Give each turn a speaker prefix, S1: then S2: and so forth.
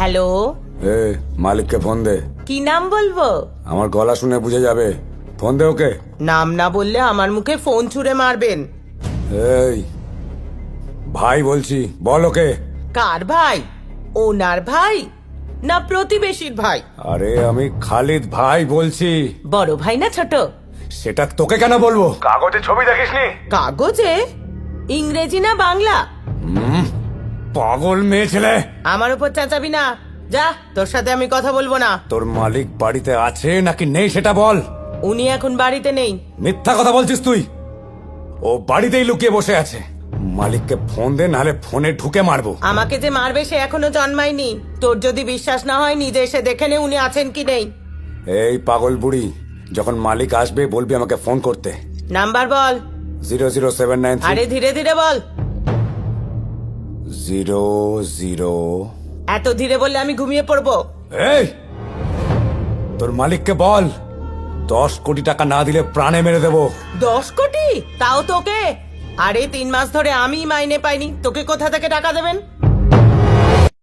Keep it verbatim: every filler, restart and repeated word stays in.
S1: Hello,
S2: এ মালিককে phone দে।
S1: কি নাম বলবো?
S2: আমার গলা শুনে বুঝে যাবে। ফোন দে ওকে।
S1: নাম না বললে আমার মুখে ফোন ছুঁড়ে মারবেন।
S2: এই ভাই বলছি, বল ওকে।
S1: কার ভাই? ওনার ভাই না প্রতিবেশীর ভাই?
S2: আরে আমি খালিদ ভাই বলছি।
S1: বড় ভাই না ছোট?
S2: সেটা তোকে কেন বলবো? কাগজে ছবি দেখিসনি?
S1: কাগজে? ইংরেজি না বাংলা?
S2: পাগল মেয়ে ছেলে।
S1: আমার উপর চেঁচাবি না, যা, তোর সাথে আমি কথা বলবো না।
S2: তোর মালিক বাড়িতে আছে নাকি নেই সেটা বল।
S1: উনি এখন বাড়িতে নেই।
S2: মিথ্যা কথা বলছিস তুই। ও বাড়িতেই লুকিয়ে বসে আছে। মালিককে ফোন দে, নাহলে ফোনে ঢুকে মারবো।
S1: আমাকে যে মারবে সে এখনো জন্মায়নি। তোর যদি বিশ্বাস না হয় নিজে এসে দেখে নে উনি আছেন কি নেই।
S2: এই পাগল বুড়ি, যখন মালিক আসবে বলবি আমাকে ফোন করতে।
S1: নাম্বার বল।
S2: জিরো জিরো সেভেন নাইন
S1: আরে ধীরে ধীরে বল।
S2: Zero zero.
S1: এত ধীরে বললে আমি ঘুমিয়ে পড়বো।
S2: এই তোর মালিককে বল দশ কোটি টাকা না দিলে প্রাণে মেরে দেবো।
S1: দশ কোটি? তাও তোকে? আরে তিন মাস ধরে আমি মাইনে পাইনি, তোকে কোথা থেকে টাকা দেবেন?